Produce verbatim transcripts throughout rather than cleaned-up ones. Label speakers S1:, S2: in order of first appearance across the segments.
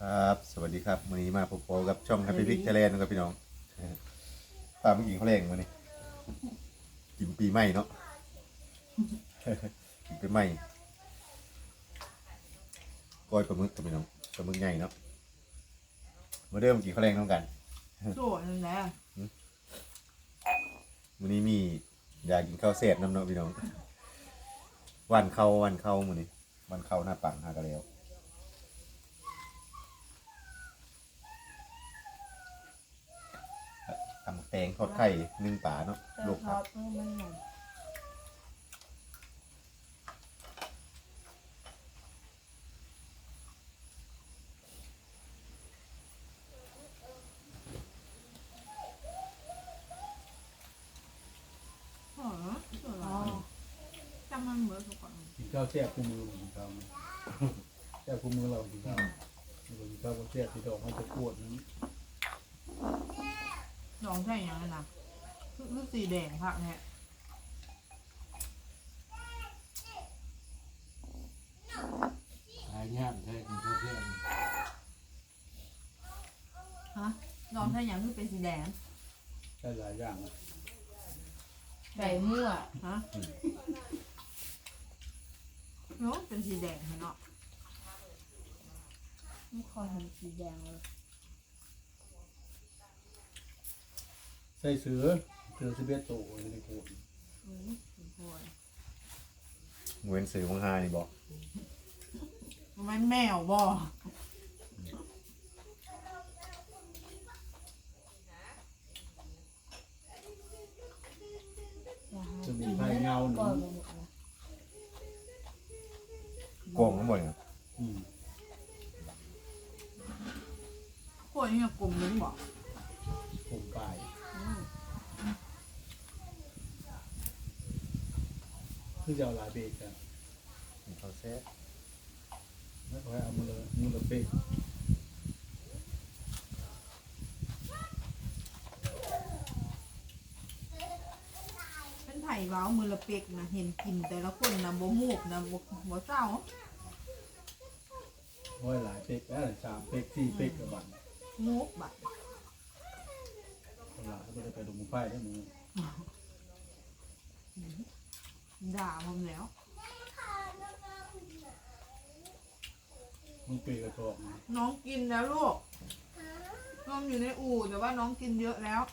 S1: ครับสวัสดีครับวันนี้มาพบกับช่อง Happy Pick Thailand นะครับพี่น้องตามเมื่อกี้เขาแรงมานี่กินปีใหม่เนาะกินปีใหม่ก้อยปลาหมึกกับพี่น้องปลาหมึกใหญ่เนาะมาเริ่มกินข้าวแรงน้องกัน
S2: โจ้นั่นแหละ
S1: วันนี้มีอยากกินข้าวเศษน้ำเนาะพี่น้องวันเข้าวันเข้ามื้อนี้วันเข้าหน้าปังหากันแล้วตำแตงทอดไข่นึ่งปลาเนาะลวกผัก
S2: จำมันเหมือนทุกคน
S3: กินข้าวแซ่บคู่มือของเขาแซ่บคู่มือเรากินข้าวกินข้าวแซ่บที่ดอกมันจะปวดนั้น
S2: ดองใช่ยังไงนะคือสีแดงผักเนี่ย
S3: หายง่ายใช่กินข้าวแซ่บ
S2: ฮะดองใช่ยังคือเป็นสีแดง
S3: ได้หลายอย่าง
S4: ไก่มั่ว
S2: ฮะเนาะเป็นสีแดงเนาะ
S4: ไม่คอยเห็นสีแดงเลย
S3: ใส่เสือเสือสิบเอ็ดโตในโขด
S2: อืมโอ้ย
S1: เหมือนสื่อวังฮานี่บอก
S2: มันแมวบ่
S3: จะมีไฟเงาหนึ่ง
S1: โกงทั้งหมดเนี่ย
S2: พวกนี้กลมนึงบอก
S3: ผมปลายคือจะเอาหลายเบรกกัน
S1: เขาแซ่
S3: แล้วก็เอามือเลยมือเลยเบรก
S2: เป็นไผ่ว้าวมือละเป็กนะเห็นกินแต่ละคนนะโบมูกนะโบโบเศร้า
S3: โอ้ยหลายเบรกแล้วสามเบรกสี่เบรกกับบัน
S2: มูกบัด
S3: หลายเขาจะไปดูมือไฟได้มือ
S2: ด่าผมแล้ว
S3: มึงปีกระชอก
S2: น้องกินแล้วลูกน้องอยู่ในอู่แต่ว่าน้องกินเยอะแล้ว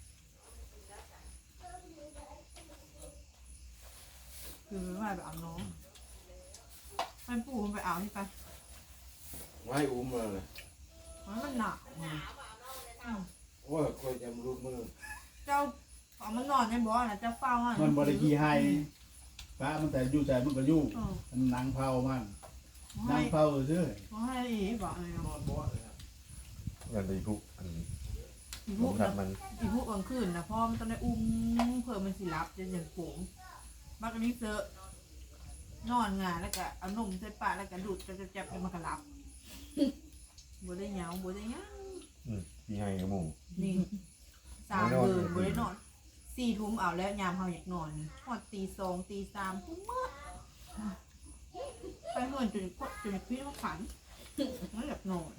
S2: คือไม่ไปเอาน้องให้ปู่มันไปเอาที่ไป
S5: ไม่อุ้มเลย
S2: มันหนัก
S5: ว่าคอยจำรูปมือ
S2: เจ้าเอามันนอนในบ่อนะเจ้าเฝ้า
S3: มันบริกีไฮป้ามันแต่ยู่ใจมันก็ยู่มันนางเผามันนางเผาซื่อ
S2: เขาให้อีบอกเลยนอนบ่อเลย
S1: ครับยันไปพุกอัน
S2: อีพุกมันอีพุกกลางคืนนะพ่อมันต้องได้อุ้มเพื่อมันสิรับจะอย่างโผงบักอันนี้เจอนอนงานแล้วก็เอานมใส่ปากแล้วก็ดูดจะจะจับมันก็รับบัวได้เหงาบัวได้ยัง
S1: พี่ให้กับหมู
S2: นี่สามเดือนบัวได้นอนสี่ทุ่มเอาแล้วยามเขาอยากนอนพอตีสองตีสามทุ่มเมื่อไปเงินจนจนพี่ว่าฝันไม่หลับนอน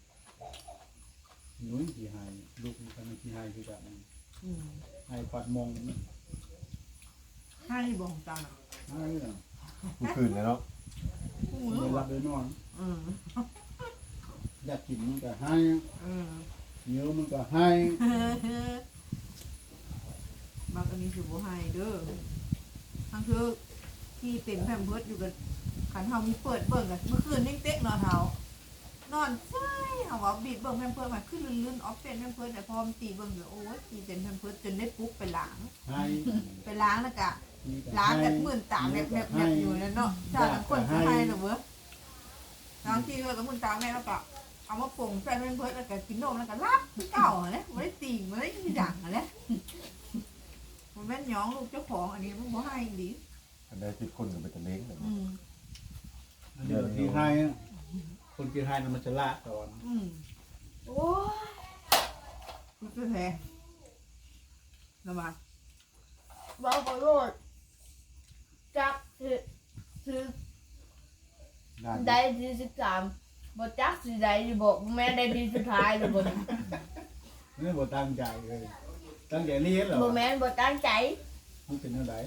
S3: นุ่ยกี่ไฮลูกมันกี่ไฮคือแบบนั้นไฮปัดมอง
S2: ให้บอกของจัง
S3: ไฮเนาะ
S1: ผู้คืนเลยเนาะ
S3: ไม่รับเลยนอนอยากกินมันก็ไฮเนื้อมันก็ไฮ
S2: บางอันนี้ถือว่าไฮเด้อทั้งคือที่เต็มแผ่นเพิร์ดอยู่กันขันเท้ามีเปิดเบิ่งกันเมื่อคืนนิ่งเต๊กนอนเท้านอนใช่เอาว่าบีบเบิ่งแผ่นเพิร์ดมาขึ้นลื่นๆออฟเป็นแผ่นเพิร์ดแต่พอมตีเบิ่งเลยโอ้ยตีเต็มแผ่นเพิร์ดจนได้ปุ๊บไปล้างไปล้างแล้วกะล้างกันหมื่นตาแบบแบบแบบอยู่นั่นเนาะชาติคนไทยเหรอเว้ยล้างที่ก็หมื่นตาแม่แล้วก็เอามาป่งแฟนแผ่นเพิร์ดแล้วก็กินนมแล้วก็รับเก่าเลยไม่ได้ตีไม่ได้ที่ดังเลยมันแม่นย้องลูกเจ้าของอันนี้มันบ่ให้ดี
S1: อันใดคิดคนกับเป็นตะเล้งแบบ
S3: นี้เดี๋ยวกี่ไฮคนกี่ไฮมันจะละตอน
S2: โอ้คุณจะแทงระบาด
S4: บางคนโรดจับถือถือได้ที่สิบสามบ่จักสิได้อยู่บ่แม่ได้ดีสุดท้ายเลยบ่นี่
S3: นี่บ่ตั้งใจเลยตั้งใจเรียนเหรอ
S4: บ่แม่นบ่ตั้งใจ
S3: มันเป็นอะไร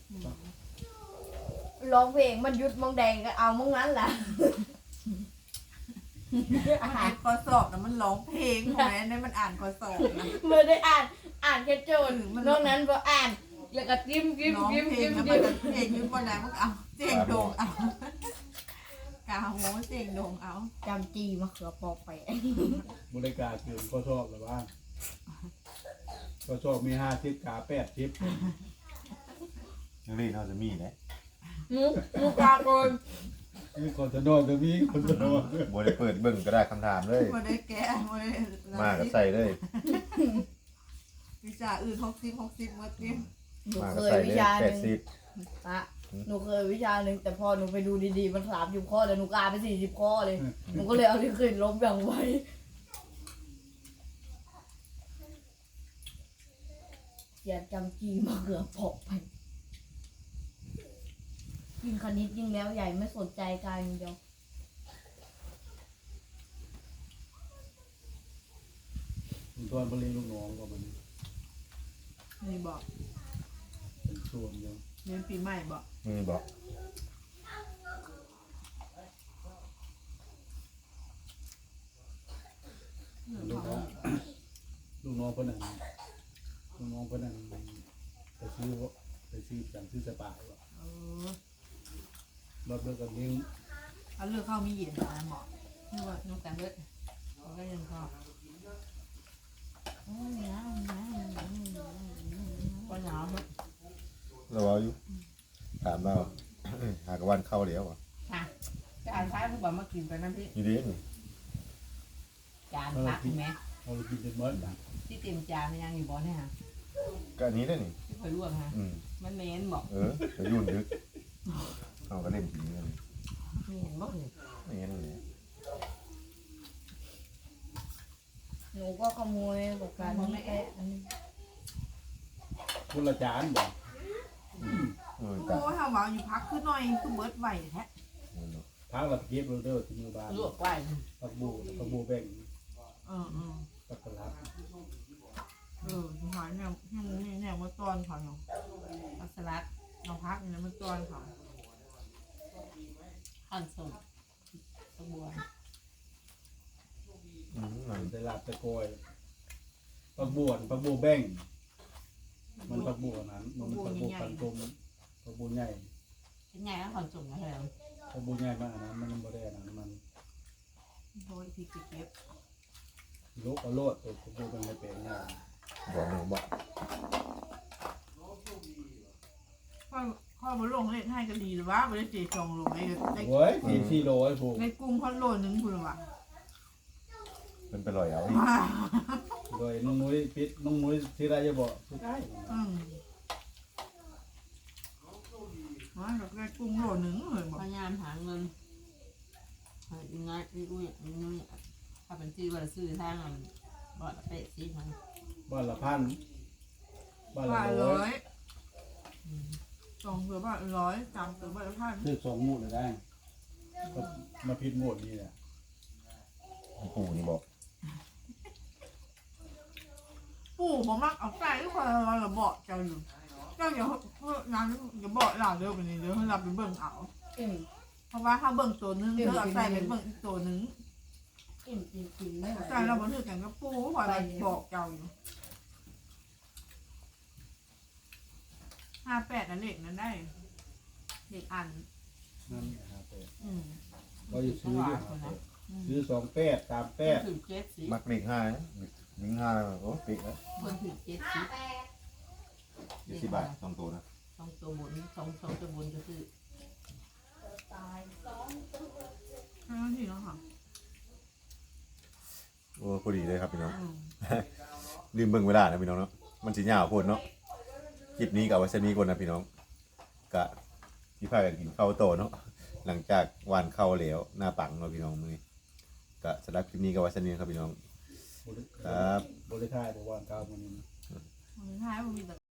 S4: ร้องเพลงมันหยุดมองแดงก็เอามองนั้นล่ะ
S2: อ่านข้อสอบนะมันร้องเพลงของแม่เนี่ยมันอ่านข้อสอบนะ
S4: บ่ได้อ่านอ่านแค่โจทย์
S2: มัน
S4: นอกนั้นบ่อ่านแล้วก็จิ้มจิ้ม
S2: ร้อง
S4: จิ้ม
S2: เพล
S4: จิ้
S2: ง
S4: ม
S2: แล้วมัน
S4: จิ้ม
S2: จะเพลงอยืนบนไหนมันก็เอาเสียงโด่งเอากาโหเสียงโด่งเอา
S4: จำจีมะเขือปอกไป
S3: บริการเกินข้อชอบหรือว่าข้อชอบมีห้าทิศกาแปดทิศ
S1: ยังเล่นเขาจะมีนะ
S4: หมูหมูกาโกน
S3: มีคนจะนอนก็มีคนจะนอน
S1: บ่ได้เปิดเบิ่งก็ได้คำถามเลย
S2: บ่ได้แก้บ่ได้
S1: มาก็ใส่เลย
S2: วิชาอื่นหกสิบหกสิบหมดเนี่ย
S4: หนู
S1: มา
S4: เค
S1: ก็
S4: ย
S1: ใส่
S4: วิ
S1: เลย
S4: ชาห
S1: แป
S4: นึ่
S1: ด
S4: ง
S1: สิบ
S4: ปะหนูเคยวิชาหนึ่งแต่พอหนูไปดูดีๆมันสามสิบข้อแต่หนูกาไปสี่สิบข้อเลยหนูก็เลยเอาที่ขึ้นลบอย่างไวอย่าจำจีมะเขือปอกไปยิ่งคณิตยิ่งแล้วใหญ่ไม่สนใจการอย่างเดียว
S3: ตอนบริลูกน้องก็มัน
S2: นี่บอก
S3: เป็นส่วนเดียว
S2: เรียนปีใหม่บอก
S1: มีบอก
S3: ลูกน้องลูกน้องคนนั้นลูกน้องคนนั้นไปซื้อไปซื้อจังซื้อสปาว่ะ
S2: เออ
S3: รถเลิกกันนี้
S2: เอาเลือกเข้ามีเย็นนะหมอ
S4: นี่ว่านกแต่เบิดมันก็ยังพอก็หนาวมั้ง
S1: เราเอาอยู่ถามเรา หากวันเข้าแล้วอ่ะ
S4: ค่ะจานท้ายผู้บ่มากินกันน้ำพริก
S1: อยู่ดีนี่
S4: จานพักเห็นไหม
S3: เรากินเป็นมื้อนะ
S4: ที่เต็มจานมันยังอยู่บ่เนี่ยฮะ
S1: ก็อันนี้ได้นี่
S4: ที่คอยลวกฮะ
S1: อืม
S4: มันเหม็นบอก
S1: เออไปยุ่นดึกเอาก็เล่นผีเงิน
S4: ไม่เห็นบอกเลย
S1: ไม่งั้นเลย
S4: หนูก็ขโมยบอกการนี้แค่อันนี้
S3: คนละจานบ่
S1: เออ
S2: โอ้
S1: ตาย
S2: ทำว่าอยู่พักขึ้นหน่อยคือเบิร์ดไหวแท้
S3: พักเราเก็บโรเดอร์ที่มือบ้าน
S4: ลวกไว้
S3: ปักบูปักบูแบ่ง
S2: เออเออ
S3: ปักกระลับ
S2: เออสุดท้ายเนี่ยเนี่ยเนี่ยมาตอนเขาเนาะอัสลัดเราพักเนี่ยมาตอนเขา
S4: ขั้นส่งตะบัว
S1: อืมมัน
S3: ตลาดตะโกยปักบวนปักบูแบ่งมันปักบูนั้นมันปักบูปันตมปักบูใหญ่
S4: เป็นไงขั้นส่งอะไร
S3: ปักบูใหญ่มากนะมันบ่ได้นะมัน
S2: โดยที่เก็บ
S3: โลกเอาโลดตัวปักบูเป็นไม่เป็นนะ
S1: บอกหนูบอก
S2: ข้อข้อมาลงเล่นให้ก็ดีหรือว่าไม่ได้เจจองลงในใน
S3: โอ้ยสี่สี่โลไอ้พวก
S2: ในกรุงพันโลนึงคุณวะ
S1: เป็นไปลอยเอาอีก
S3: โดยน้องมุ้ยปิดน้องมุ้ยที่ไรจะบอกสุดท้าย
S2: อืมว่ากับในกรุงโลนึงเลยบอก
S4: พยายามหาเงินหายังไงอุ้ยอุ้ยถ้าเป็นที่ว่าซื้อทางบ่อละเป็ดสิมัน
S3: บ้านละพันบ้านละ
S2: บาท
S3: ร้
S2: ร้
S3: อ
S2: อย ยสองตัวบาทร้อยสามตัวบาทพัน
S3: คือสองหมูดเลยได้ก็มาพิดหมดนี่แหละ
S1: ปู่นี่บอก
S2: ปู่ผมมักเอาใส่ทุกคนเราระเบาะเจ้าอยู่เจ้าอย่าเพื่อนั้นอย่าเบาะเราเด้อไปนี่เด้อให้เราไปเบิ่งเอา
S4: อิ่ม
S2: เพราะว่าถ้าเบิ่งตัวนึงเด้อเอาใส่ไปเบิ่งอีกตัวนึง
S4: อิ่มจริงๆไม่ไหว
S2: ใส่เราบันทึกกันกับปู่คอยไปบอกเจ้าอยู่ห้าแปดนั่นเด็กนั้นได้เด็กอัน
S3: นั่นนะครับ
S2: อืม
S3: ก็จะซื้อด้วยครับซื้อสองแปดสามแปด
S4: ถือเจ็ดสิ
S1: มักเล็กห้านะลิงห้าโอ้ปิกแล้ว
S4: คนถือเจ็ดสิ
S1: ยี่สิบบาทสองตัวนะ
S4: สองตัวบนสองสองตัวบนก็คือ
S2: ห้าทีแล้วค่ะ
S1: โอ้พอดีเลยครับพี่น้อง
S2: อืม
S1: ลืมเบิ่งเวลานะพี่น้องเนาะมันสิยาวโพดเนาะคลิปนี้กับวัชนี้ก่อนนะพี่น้องกะที่พากันกินข้าวโตเนาะหลังจากหวานข้าวเหลวหน้าปังเนาะพี่น้องมื้อนี้กะสำหรับคลิปนี้กับวัชนี้ครับพี่น้อง ครับ
S3: บริษัทบอกว่าเก้ามัน
S2: สุดท้ายมันมีแต่